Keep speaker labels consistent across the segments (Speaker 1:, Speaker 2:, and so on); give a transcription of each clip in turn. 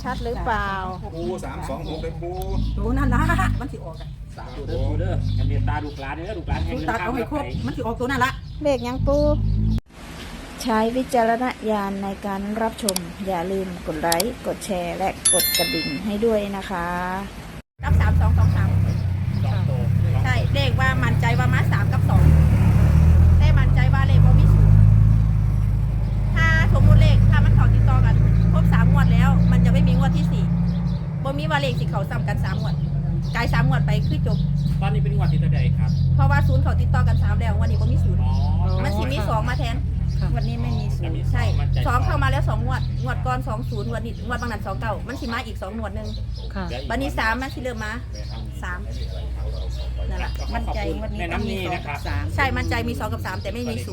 Speaker 1: ชัดหรือเปล่า
Speaker 2: ปู326เลยปู
Speaker 3: ดูนั่นนะมันสิออกกัน
Speaker 4: สามตัวเด้อปูเด้ออย่าเมตตาลูกหลานเด้อลูกหลานแห่ง
Speaker 3: ดู
Speaker 4: เงิน
Speaker 3: ตา
Speaker 4: ข้า
Speaker 3: เอา
Speaker 4: ว
Speaker 3: ให้ครบมันสิออกตัวนั่นละ
Speaker 1: เลขยังปูใช้วิจารณญาณในการรับชมอย่าลืมกดไลค์กดแชร์และกดกระดิ่งให้ด้วยนะคะ
Speaker 3: รับ3 2 2 3
Speaker 4: สองตัว
Speaker 3: ใช่เลขว่ามั่นใจว่ามา3กับ2แต่มั่นใจว่าเลขบ่มีศูนย์ถ้าสมมุติเลขถ้ามันเข้าติดต่อกันครบ3งวดแล้วมันจะไม่มีงวดที่4บ่มีว่าเลขสิเข้าซ้ำกัน3งวดกาย3งวดไปคือจบ
Speaker 4: ตอนนี้เป็นงวดที่เท่าใดครับ
Speaker 3: เพราะว่าศูนย์เขาติดต่อกัน3แล้ววันนี้บ่มีศูนย์
Speaker 4: อ๋อ
Speaker 3: มันสิมี2มาแทนวันนี้ไม่มีศูนย์ใช่2เข้ามาแล้ว2งวดงวดก่อน20วันนี้งวดบางนั้น29มันสิมาอีก2งวดนึง
Speaker 1: ค่ะ
Speaker 3: วันนี้3มันสิเริ่มมา3นั่นแหละ
Speaker 4: มั่นใจวันนี้แม่น้ำนี้นะครับ
Speaker 3: ใช่มั่นใจมี2กับ3แต่ไม่มี0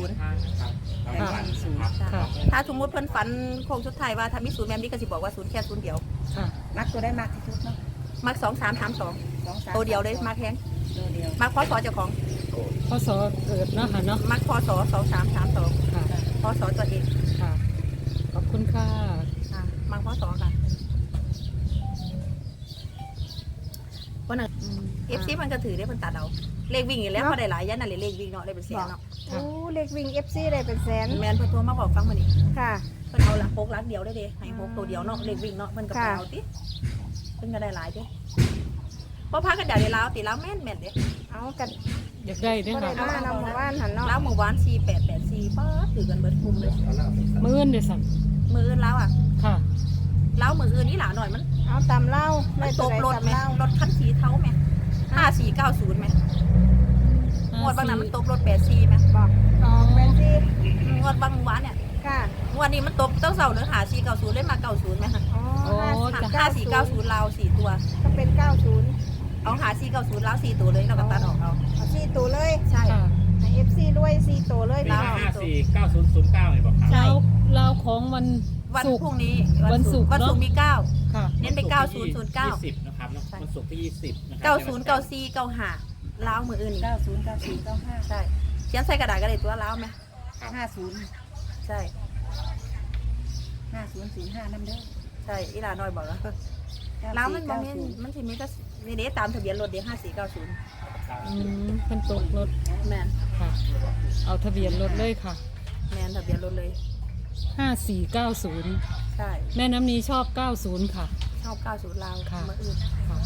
Speaker 1: ค่ะ
Speaker 3: ถ้าสมมติเพิ่นฝันโค้งสุดท้ายว่าถ้ามี0แม่มนี่ก็สิบอกว่า0แค่0เดียว
Speaker 1: ค่ะ
Speaker 5: มักตัวได้มากที่สุดเนาะ
Speaker 3: มัก2 3 3 2
Speaker 5: 2-3
Speaker 3: ตัวเดียวเลยมักแฮง
Speaker 5: ตัวเดียว
Speaker 3: มักพศเจ้าของ
Speaker 1: พศเกิดเนาะค่ะเนาะ
Speaker 3: มักพศ2 3 3 2
Speaker 1: ค่ะ
Speaker 3: พศตัวเอง
Speaker 1: ค่ะขอบคุณค่ะ
Speaker 3: มักพศค่ะวันนั้น FC มันก็ถือได้เพิ่นตัดเอาเลขวิ่งอยู่แล้วพอได้หลายยันน่ะเลขวิ่งเนาะได้เป็นแสนเนาะ
Speaker 1: ค่ะ
Speaker 5: โอ้เลขวิ่ง FC ได้เป็นแสน
Speaker 3: แม่นเพิ่นโทรมาบอกฟังมื้อนี้
Speaker 5: ค่ะ
Speaker 3: เพิ่นเอาละ6ลักเดียวได้เด้ให้6ตัวเดียวเนาะเลขวิ่งเนาะเพิ่นก็ไปเอาติเพิ่นก็ได้หลายเด้เพราะพากันได้ลาวติลาวแม่นเด้
Speaker 5: เอากัน
Speaker 1: อยากได้ด้วย
Speaker 5: ก็ได้
Speaker 1: ค่ะ
Speaker 5: มานำหมู่บ้านหันเนาะ
Speaker 3: ลาวเมื่อวาน4884ป้าถือกันเบิดคุมเลย
Speaker 1: มื้อเดี๋ยวสั่ง
Speaker 3: มืออื่นลาวอ่ะ
Speaker 1: ค่ะ
Speaker 3: ลาวมืออื่นนี่หลาหน่อยมัน
Speaker 5: เอาตำเล่า
Speaker 3: มั
Speaker 5: ได้
Speaker 3: นต
Speaker 5: ตัว
Speaker 3: ก
Speaker 5: ใด
Speaker 3: รถ
Speaker 5: ตำ
Speaker 3: ไหม
Speaker 5: เล่าร
Speaker 3: ถคันสีเทาไหม5490ไหมงวดบางนั้นมันตกรถ84ไหม
Speaker 5: บอก
Speaker 1: อ๋อ
Speaker 5: เป็นที่
Speaker 3: งวดบางวานเนี่ย
Speaker 5: ค่ะ
Speaker 3: งวดนี้มันตกตั้งเสาร์เนื้อ5490เล่นมา90ไหมคะ
Speaker 5: อ๋อ
Speaker 3: 5490ลาว4ตัว
Speaker 5: ก็เป็น90
Speaker 3: เอา5490ลาว4ตัวเลยเราก็ตัดออกเอา
Speaker 5: เอา4ตัวเลย
Speaker 3: ใช่
Speaker 1: ค่ะ
Speaker 5: ให้ FC ด้วย4ตัวเลย
Speaker 4: ปี
Speaker 5: เนาะ
Speaker 4: 549009เนี่ยบอกครับ
Speaker 3: ใช่
Speaker 1: เราของวัน
Speaker 3: วัน
Speaker 1: ศุก
Speaker 3: พรุ่
Speaker 1: ร์
Speaker 3: งนี้
Speaker 1: วันศุกร์
Speaker 3: วันศุกร์
Speaker 1: เนอะ
Speaker 3: มี9
Speaker 1: ค่ะ
Speaker 3: เน้นไป9009
Speaker 4: 20นะครับเนาะวันศุกร์ที่20นะครั
Speaker 3: 9094 95ลาวมืออื่นอีก
Speaker 5: 90 94 95
Speaker 3: ใช่เขียนใส่กระดาษก็ได้ตัวลาวไหม
Speaker 5: 50
Speaker 3: ใช่
Speaker 5: 5005นำเด้อ
Speaker 3: ใช่อีหลาน้อยบอกแล้วแล้วมันบอกมันสิมีก็นี่เด้ตามทะเบียนรถเด้5490
Speaker 1: เป็นตกรถ
Speaker 3: แมน
Speaker 1: ค่ะ เอาทะเบียนรถเลยค่ะ
Speaker 3: แมนทะเบียนรถเลย
Speaker 1: 5490
Speaker 3: ใช่
Speaker 1: แม่น้ำนี้ชอบ 90 ค่ะ
Speaker 3: ชอบ90ลาว
Speaker 1: ค่ะ
Speaker 3: มาอื่น
Speaker 1: ค่ะ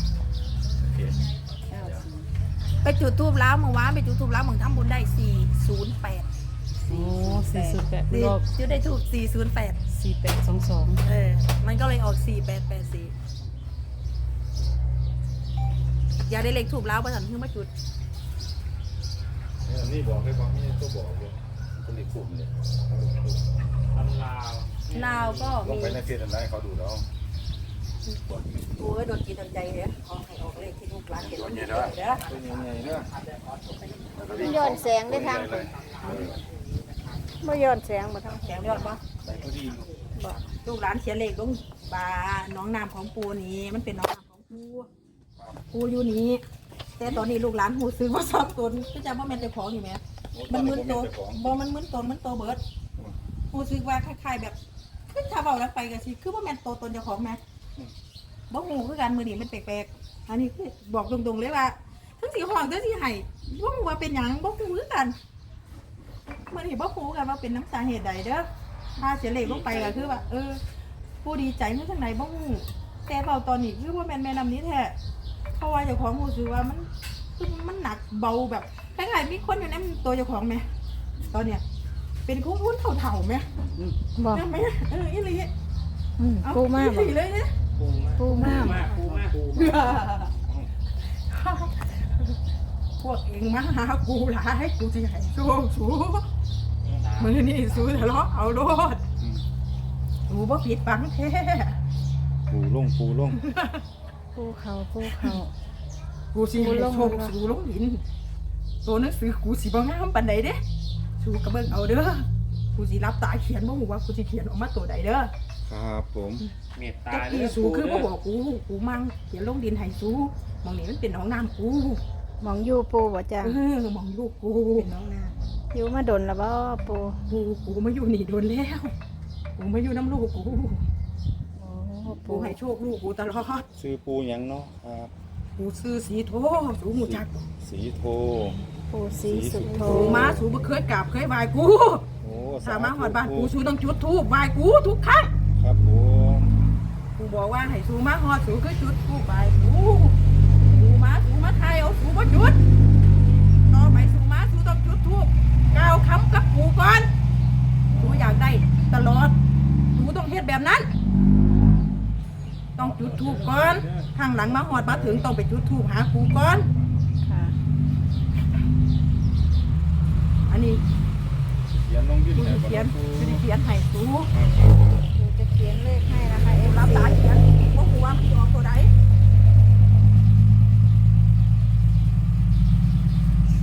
Speaker 3: ไปจุดทูบแล้วเมื่อวานไปจุดทูบแล้วมึงทำบุญได้408
Speaker 1: โอ้408
Speaker 3: นี่
Speaker 1: รอบ
Speaker 3: จุดได้ทูบ408
Speaker 1: 4822
Speaker 3: มันก็เลยออก4884อย่าได้เลขทูบแล้วประสันเพิ่งมาจุด
Speaker 2: นี่บอกให้ฟังนี่ตัวบอกเลยคนนี้คุ้มเลย
Speaker 4: ตำลาว
Speaker 3: ลาวก็
Speaker 2: ลง
Speaker 3: มี
Speaker 2: ไปในเฟซอะไรเขาดูแล้ว
Speaker 3: โอ้ยโดนกินโดนใจเลยขอให้ออกเลขที่ลูกหลานเห็นวันนี้เด้อ
Speaker 2: เป็นยังไงเนี่ย
Speaker 5: มันย้อนแสงได้ทางคนบ่ย้อนแสงบ่ทาง
Speaker 3: แข็งยอดปะ
Speaker 2: ใส่พอดี
Speaker 3: บอกลูกหลานเขียนเลขลงบาน้องนามของปูนี้มันเป็นน้องนามของปูอยู่นี้แต่ตอนนี้ลูกหลานหูซื้อว่าสอบตนก็จะว่าแม่นเจ้าของอยู่ไหมมันมึนโตบ่มันมึนโตมันโตเบิดหูซื้อว่าคล้ายๆแบบคือถ้าเบาแล้วไปกันสิคือว่าแม่นโตตนเจ้าของไหมบ่หูคือการมือนี่มันแปลกๆอันนี้คือบอกตรงๆเลยว่าทั้งสีห้องทั้งสีไห้บ่หูว่าเป็นหยังบ่หูคือกันมื่อนี้บ่หูกันว่าเป็นน้ำสาเหตุใดเด้อถ้าเสียเลขลงไปก็คือว่าผู้ดีใจเมื่อทางไหนบ่หูแต่เบาตอนนี้คือว่าแม่นำนี้แท้เพราะว่าเจ้าของหูซื้อว่ามันคือมันหนักเบาแบบคล้ายๆมีคนอยู่ในตัวเจ้าของไหมตอนเนี้ยเป็นคุ้นๆเถ่าๆไหม
Speaker 1: บอก
Speaker 3: ใช่ไหมอีหลี
Speaker 1: ปูมาก
Speaker 3: อีหลีเลยเนี่ย
Speaker 4: ปูมากปูมาก
Speaker 3: พวกเองมาหากูหลายกูจะให้สู้มือนี่สู้ทะเลาะเอาโลดกูบ่ผิดบังแท้
Speaker 2: ปูลง
Speaker 1: ปูเขา
Speaker 3: กูสิให้โชคสู้ลงหินตัวหนังสือกูสิบ่งามปานใดเด้สู้กระเบิ่งเอาเด้อกูสิรับตาเขียนบ่ฮู้ว่ากูสิเขียนออกมาตัวใดเด้อ
Speaker 2: ครับผม
Speaker 4: เมตตา
Speaker 3: จักอีสู้คือบ่บอกกูมั่งเขียนลงดินให้สู้มองนี่มันเป็นหนองน้ำกู
Speaker 5: หมองอยู่ปูบ่จ้ะ
Speaker 3: มองลูกกู
Speaker 5: เป็นน้องนาอยู่มาดนแล้วบ่ปู
Speaker 3: กูมาอยู่นี่โดนแล้วกูมาอยู่น้ำลูกกู
Speaker 5: โอ้
Speaker 3: มปูให้โชคลูกปูตลอด
Speaker 2: ซื้อปูหยังเนาะครับ
Speaker 3: ปูซื้อสีโทสูหูจัก
Speaker 2: สีโท
Speaker 1: ปู่ศรีสุโธ
Speaker 3: สูมาสูบ่เคยกราบเคยไหว้กู
Speaker 2: โอ้
Speaker 3: ถ้ามาหอดบ้านกูสูต้องจุดธูปไหว้กูทุกครั้ง
Speaker 2: ครับผม
Speaker 3: กูบอกว่าให้สูมาหอดสูคือจุดธูปไหว้กูสูมาไทยเอาสูบ่จุดต่อไปสูมาสูต้องจุดธูปกล่าวคำกับกูก่อนสูอยากได้ตลอดสูต้องเฮ็ดแบบนั้น ต้องจุดธูปก่อนข้างหลังมาหอดมาถึงต้องไปจุดธูปหากูก่อน
Speaker 1: ค่ะ
Speaker 3: อันนี้
Speaker 2: เขียนลงยื่น
Speaker 3: กู
Speaker 2: ให้
Speaker 3: สิเขียนกูสิเขียนให้สู
Speaker 1: ปู่จะเขียนเลขให้นะคะ
Speaker 3: รับ
Speaker 1: FC
Speaker 3: ตาเขียนว่ากูว่ามันสิออกตัวใด
Speaker 1: 3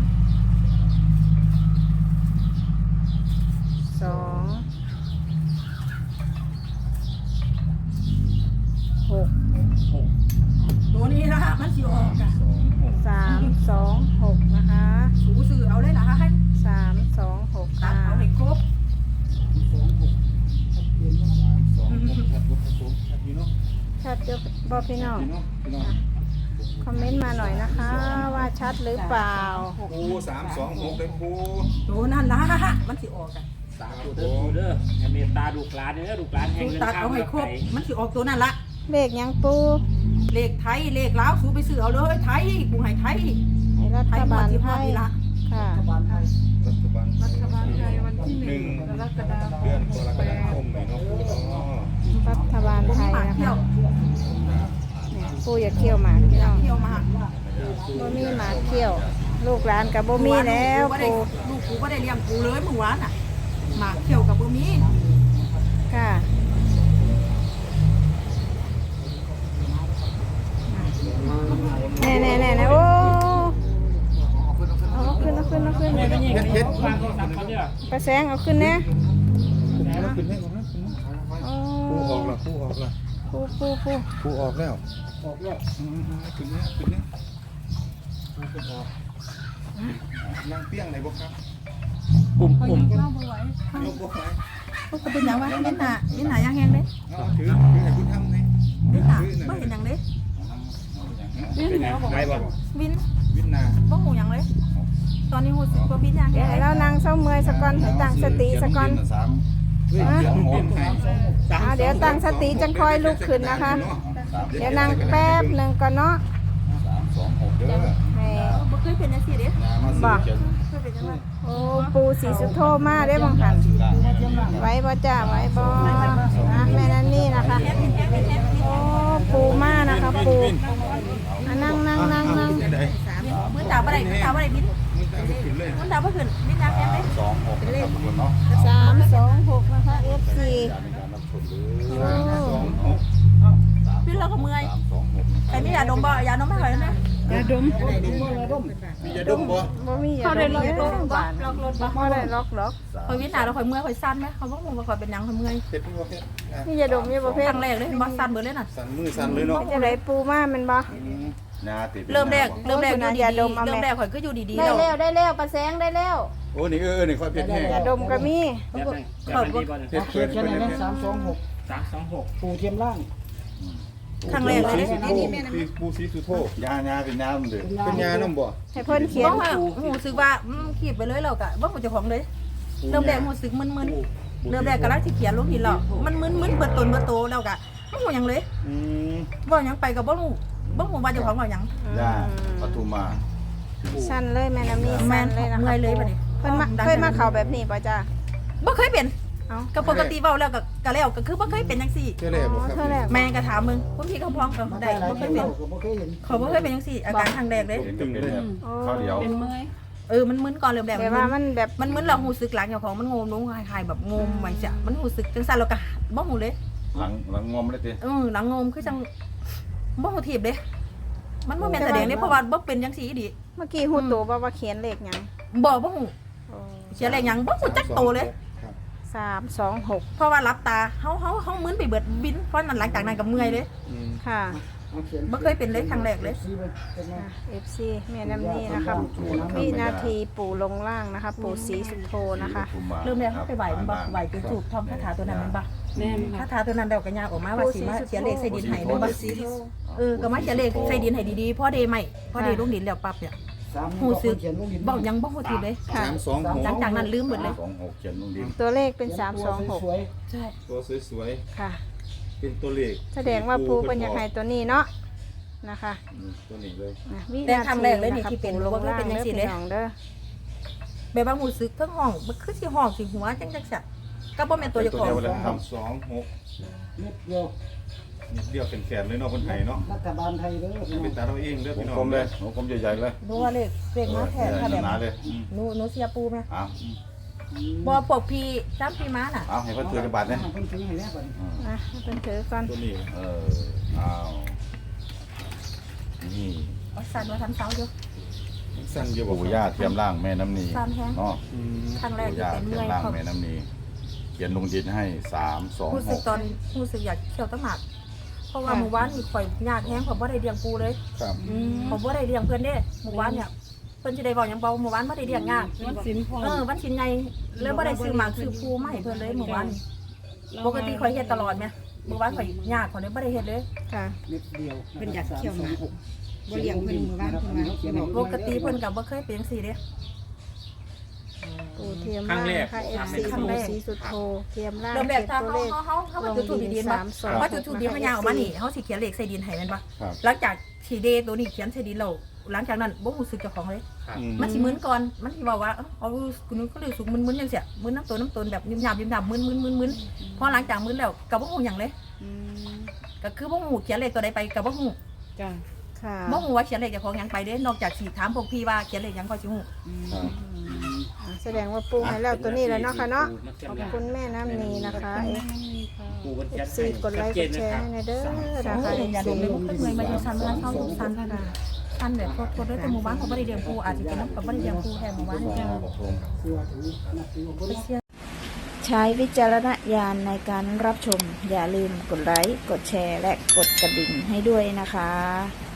Speaker 1: 2 6
Speaker 3: ตัวนี้นะมันสิออกอะ
Speaker 1: 3 2 6นะคะ
Speaker 3: สูซื้อเอาเลยล่ะให้
Speaker 1: 3 2 6
Speaker 3: ตัดเอาให้ครบ
Speaker 1: ชัดเจนบ่พี่น้อง
Speaker 2: พี่น้องพี่น้อง
Speaker 1: คอมเมนต์มาหน่อยนะคะ ว่าชัดหรือเปล่า
Speaker 2: ปู326เลยปู
Speaker 3: ตัวนั่นล่ะมันสิออกอะ
Speaker 4: สาธุเด้อปูเด้ออย่าเมตตาลูกหลานเด้อลูกหลานแห่
Speaker 3: สู
Speaker 4: งเงิน
Speaker 3: ตัด
Speaker 4: ข้าว
Speaker 3: เอาให้ครบ
Speaker 4: ไ
Speaker 3: มันสิออกตัวนั่นละ
Speaker 1: เลขยังปู
Speaker 3: เลขไทยเลขลาวสูไปซื้อเอาเลยไทยกูให้ไทย
Speaker 1: ให้รั
Speaker 3: ไท
Speaker 1: ฐ
Speaker 3: ยหม
Speaker 1: บา
Speaker 3: ด
Speaker 1: ล
Speaker 3: ที่
Speaker 1: ไท
Speaker 3: พ่อย นี่ละ
Speaker 1: ค่ะ
Speaker 2: รัฐบาลไทย
Speaker 5: วันที่
Speaker 2: หนึ่ง
Speaker 5: กรกฎาคม
Speaker 2: เดือนกรกฎาคมนี่เนาะปูเนาะ
Speaker 1: รัฐบาล
Speaker 3: ผม
Speaker 1: ไทย
Speaker 3: หมาก
Speaker 1: นะ
Speaker 3: เที่ย
Speaker 1: คะ
Speaker 3: ว
Speaker 1: เนี่ยปูอย่าเคี่ยวหมากพี่น้อง
Speaker 3: เที่ยวมา
Speaker 1: บ่มีหมากเคี่ยว ลูกหลานกับบ่มีแล้วปู
Speaker 3: ลูกกูก็ได้เลี้ยงกูเลยเมื่อวานน่ะหมากเที่ยวกับบ่มี
Speaker 1: ค่ะแน่โอ้เอาขึ้น
Speaker 4: ม่ไม่ยิงไม่ยิงวางโทรศัพท์เขาเนี่ย
Speaker 1: ไปแสงเอาขึ้นนะ
Speaker 2: ขึ้นให้ก่อนนะ
Speaker 1: โอ้
Speaker 2: ปูออกละปูออกละ
Speaker 1: ปู
Speaker 2: ปูออกแล้วขึ้นเนี่ยขึ้นเนี่ยขึ้นออกนั่งเปี้ยงไหนบ่ครับ
Speaker 4: ปุ่ม
Speaker 2: ยกบ่ไหว
Speaker 3: ก็เป็นอย่างว่าเล่นหนายังแห้งเด้
Speaker 2: เอาถือให้คุณทำนี่
Speaker 3: เล่นหนาไม่เห็นอย่างเด้
Speaker 4: เป็นไงไงบ่
Speaker 3: วิน
Speaker 2: วินนา
Speaker 3: บ่หูอย่างเลย ตอนนี้หูสึกว่าวินยัง
Speaker 1: เดี๋ยวให้เรานั่งเศร้าเมื่อยสะก่อนให้ตั้งสติสะก่อน
Speaker 2: เฮ้ยเสียงหอมไทย
Speaker 1: เดี๋ยวตั้งสติจังค่อยลุกขึ้นนะคะ เดี๋ยวนั่งแป๊บหนึ่งก่อนเนาะ
Speaker 2: 326เด้อ
Speaker 1: ให้
Speaker 3: บ่เคยเป็นจังซี่เด้
Speaker 2: นามาซื้อเขียน
Speaker 3: เคยเป็นจังว่า
Speaker 1: โอ้ปูสีสุโธมาได้บังหันไว้บ่จ้าไว้บ่นะแม่นั่นนี่นะคะ โอ้ปูมานะคะปูอ่ะนั่ง
Speaker 2: ได้
Speaker 3: มื้อตาบ่ได้มื้อตาบ่ได้วิน
Speaker 2: มึงตามขึ้นเลย
Speaker 3: มื้อตาบ่ขึ้นวินยังแห้งเด้
Speaker 2: 26ครับทุกคนเนาะ
Speaker 1: 326นะคะ FC โอ้
Speaker 3: วินเราก็เมื่อยใครมียาดมบ่ยาดมให้ข่อยนะ
Speaker 2: มีจะดมบ่
Speaker 1: บ่มีอย่าดมเด้อบ้านบ่ได้ล็อก
Speaker 3: ข่อยวินหนาแล้วข่อยเมื่อยข่อยสั่นไหมเขาบ่ฮู้ว่าข่อยเป็นหยังข่อยเมื่อย
Speaker 2: เฮ็ดบ่เฮ็ด
Speaker 1: นี่อย่าดมอย่าประเภ
Speaker 3: ค
Speaker 1: ท
Speaker 3: รั้งแรกเลยบ่สั่นเบิดเลยน่ะ
Speaker 2: สั่นมือสั่นเลยเนาะ
Speaker 1: จะได้ปูมาแมันบ่
Speaker 2: นาติด
Speaker 3: เริ่มแรกอยู่ดี
Speaker 1: อย่าดมเอา
Speaker 3: ๆ
Speaker 1: แม่
Speaker 3: เริ่มแรกข่อยก็อยู่ดีๆ
Speaker 1: ได้
Speaker 3: แล้ว
Speaker 1: แล้วประแสงได้แล้ว
Speaker 2: โอ้นี่นี่ค่อยเผ็ดแห้ง
Speaker 1: อย่าดมก็มี
Speaker 4: แบบนั้นแบบนั้นดีบ่เนี่ย
Speaker 2: เผ็ดเผ็ดเผ็ดเผ็ด
Speaker 4: 326
Speaker 5: ปูเทียมล่าง
Speaker 3: ครั้งแรกเลยเด้
Speaker 2: ปูสีสุโธ
Speaker 6: ยาเป็นน้ำเดือด
Speaker 2: เป็นยาน้ำบ่
Speaker 1: ให้เพิ่นเขียน
Speaker 3: บ่ว่ารู้สึกว่าขีดไปเลยแล้วก็บ่ฮู้เจ้าของเลยเริ่มแรกรู้สึกมึนๆเริ่มแรกกำลังสิเขียนลงหินแล้วมันมึนๆเบิดตนเบิดโตแล้วก็บ่ฮู้หยังเลย บ่หยังไปก็บ่รู้ว่าเจ้าของว่าหยัง
Speaker 6: ยาปทุมมา
Speaker 1: สั้นเลยแม่น้ำนี่
Speaker 3: แม่
Speaker 1: สั้น
Speaker 3: น
Speaker 1: เลยนะคะ
Speaker 3: เมื่อยเลยบัดนี้
Speaker 1: เพิ่นมาเคยมาเข้าแบบนี้ป่ะจ้า
Speaker 3: บ่เคยเป็น
Speaker 1: เอ้า
Speaker 3: ก็ปกติเว้าแล้วก็แล้วก็คือบ่เคยเป็นจังซี่
Speaker 2: เท่าไหร่บ่ครับ
Speaker 1: เท่าแรก
Speaker 3: แม่ก็ถามมึงคุณพี่เขาพ้องก็ได้บ่เคยเป็นเขาบ่เคยเป็นจังซี่อาการครั้งแรกเลย
Speaker 6: เห็นก็เป็นแบบข้าวเดียว
Speaker 3: มันมึนก่อนเริ่มแรก
Speaker 1: แต่ว่ามันแบบ
Speaker 3: มันมึนเราหูสึกหลังเจ้าของมันงมลงคล้ายๆแบบงมไว้จ้ะมันหูสึกจังซั่นแล้วก็บ่ฮู้เลย
Speaker 6: หลังงอมเลยติ
Speaker 3: หลังงมคือจังบ่ฮู้ทีบเด้มันบ่แม่นแสดงเด้เพราะว่าบ่เป็นจังซี่อีหลี
Speaker 1: เมื่อกี้ฮู้ตัวว่าเขียนเลขหยัง
Speaker 3: บ่ฮู้เสียแรงหยังบ่ฮู้จักโตเลย
Speaker 1: 326
Speaker 3: เพราะว่ารับตาเฮามึนไปเบิดบินเพราะนั้นหลังจากนั้นก็เมื่อยเลย
Speaker 1: ค่ะ
Speaker 3: บ่เคยเป็นเลยครั้งแรกเลย
Speaker 1: FC แม่น้ำนี่นะคะวินาทีปู่ลงล่างนะคะ ปู่ศรีสุโธนะคะ
Speaker 3: เริ่มแรกเขาไปไหว้มันบ่ไหว้จนจูบท่องคาถาตัวนั้นมันบ่แม่นถ้าทาตัวนั้นเดากันยากออกมาว่าสิมาเขียนเลขใส่ดินให้นึงบ่ก็มาเขียนเลขใส่ดินให้ดีๆพอได้ไหมพอได้ลงดินแล้วปั๊บเนี่ยหูซึกบอกยังบ่ฮู้ทีเลย
Speaker 1: ค่ะ
Speaker 3: หลังจากนั้นลืมหมดเลย
Speaker 6: 26เขียนลงดิน
Speaker 1: ตัวเลขเป็น326
Speaker 3: ใช่
Speaker 2: ตัวสวย
Speaker 1: ค่ะ
Speaker 2: ๆเป็นตัวเลข
Speaker 1: แสดงว่าปูเป็นอยากให้ตัวนี้เนาะนะคะ
Speaker 2: ตัวนี้เลย
Speaker 3: แต่ครั้งแรกเลยนี่ที่เป็น
Speaker 1: ลง
Speaker 3: ว่า
Speaker 1: ล่าง
Speaker 3: เป็นจัง
Speaker 1: เด้อ
Speaker 3: ซี่
Speaker 1: พี่
Speaker 3: เด้
Speaker 1: น้องเด้อ
Speaker 3: แบบว่าหูซึกทั้งห้องมันคือสิห้องสิหัวจังซั่นก็บ่แม่นตัวเจ้าของ
Speaker 2: ตัวเดียวเลยครับ26
Speaker 7: นิดเดียว
Speaker 2: นิดเดียวเป็นแขนเลยเนาะคนไทยเนาะ
Speaker 7: รัฐบาลไทยเด้อพี่น้อ
Speaker 2: เป็น
Speaker 7: ง
Speaker 2: ตาเราเองเด้อ
Speaker 6: ว
Speaker 2: พี่
Speaker 6: ง
Speaker 2: น้อง
Speaker 6: กลมเลยวงกลมใหญ่ๆเลย
Speaker 3: ดูว่าเลขมาแทนค่ะแบบ
Speaker 6: หนาๆเลย
Speaker 3: หนูเสียปูไหม
Speaker 6: อ้าว
Speaker 3: บ่ปกพี่จ้ำพี่ม้าน่ะ
Speaker 6: เอาให้เพิ่นถือจักบาทเนี่ย
Speaker 7: เพิ่นถึงให้แล้วบัดนี้
Speaker 1: นะให้เป็นถือก่อน
Speaker 2: ตัวนี้
Speaker 6: อ้าวนี่
Speaker 3: เอาสั่นว่าทันเสาอยู่
Speaker 2: สั้นเยอะบ่
Speaker 6: ปู่ย่าเทียมร่างแม่น้ำนี
Speaker 3: สั่นแฮง
Speaker 6: เนาะ
Speaker 3: ครั้งแรก
Speaker 6: ปู่
Speaker 3: ที่
Speaker 6: ย่า
Speaker 3: เป็น
Speaker 6: เที
Speaker 3: เมื่อยเขา
Speaker 6: ยมร่างแม่น้ำนีเขียนลงดินให้
Speaker 3: รู้สึก
Speaker 6: 326
Speaker 3: ตอนรู้สึกอยากเที่ยวตั้งหากเพราะว่าหมู่บ้านนี่ข่อยยากแฮงผมบ่ได้เลี้ยงปูเลย
Speaker 2: ครับ
Speaker 3: ผมบ่ได้เลี้ยงเพิ่นเด้หมู่บ้านเนี่ยเพิ่นสิได้บอกหยังเบาหมู่บ้านบ่ได้เลี้ยงยากวันศิลป์วันศิลป์ใหญ่แล้วบ่ได้ซื้อหมากซื้อปูมาให้เพิ่นเลยหมู่บ้านปกติข่อยเฮ็ดตลอดแม่หมู่บ้านข่อยยากข่อยเลยบ่ได้เฮ็ดเลย
Speaker 1: ค่ะ
Speaker 7: นิดเดียว
Speaker 8: เป็นอยากเที่ยวหมาบ่เลี้ยงเพิ่นมือบ้านเพิ่นมาเขียนให้
Speaker 3: ปกติเพิ่นก็บ่เคยเป็นจังซี่เด้
Speaker 1: ปูเทียมล่างนะคะ FC ปูสีสุดโทเทียมล่าง
Speaker 3: เริ่มแรก
Speaker 1: เขียน
Speaker 3: ถ้า
Speaker 1: ตัวเลข
Speaker 3: เฮามาจุดทูบดินบ่พอจุดทูบดินเฮายางออกมานี่เฮาสิเขียนเลขใส่ดินให้แม่นบ่
Speaker 2: ครับ
Speaker 3: หลังจากที่เดตัวนี้เขียนใส่ดินแล้วหลังจากนั้นบ่รู้สึกเจ้าของเลย มันสิมึนก่อนมันสิบอกว่าเอาคุณนึกก็เลยสุกมึนๆจังซี่มึนน้ำตนแบบยิ้มหยาบมึนพอหลังจากมึนแล้วก็บ่ฮู้หยังเลย
Speaker 1: อืม
Speaker 3: ก็คือบ่ฮู้เขียนเลขตัวใดไปก็บ่ฮู้
Speaker 8: จ้า
Speaker 1: ค่ะ
Speaker 3: บ่ฮู้ว่าเขียนเลขเจ้าของหยังไปเด้นอกจากสิถามพวกพี่ว่าเขียนเลขหยังก็สิฮู้
Speaker 1: แสดงว่าปูให้แล้วตัวนี้แล้วเนาะค่ะเนาะขอบคุณแม่น้ำนีนะคะ
Speaker 4: ปูกันยัน
Speaker 1: FC กดไลค์กดแชร์ให้หน่อยเด้อนะคะ
Speaker 3: อย่า
Speaker 1: FC
Speaker 3: ดมเลยมันเมื่อยมาอยู่ซันมันเฮาซันซันแบบโคตรด้วยแต่หมู่บ้านเขาบ่ได้เลี้ยงปูอาจจะเป็นน้ำกับบ่ได้เลี้ยงปูแทนหมู่บ้านนี่
Speaker 7: เสื้อถือนักถือบ่ได้
Speaker 1: ใช้วิจารณญาณในการรับชม อย่าลืมกดไลค์ กดแชร์ และกดกระดิ่งให้ด้วยนะคะ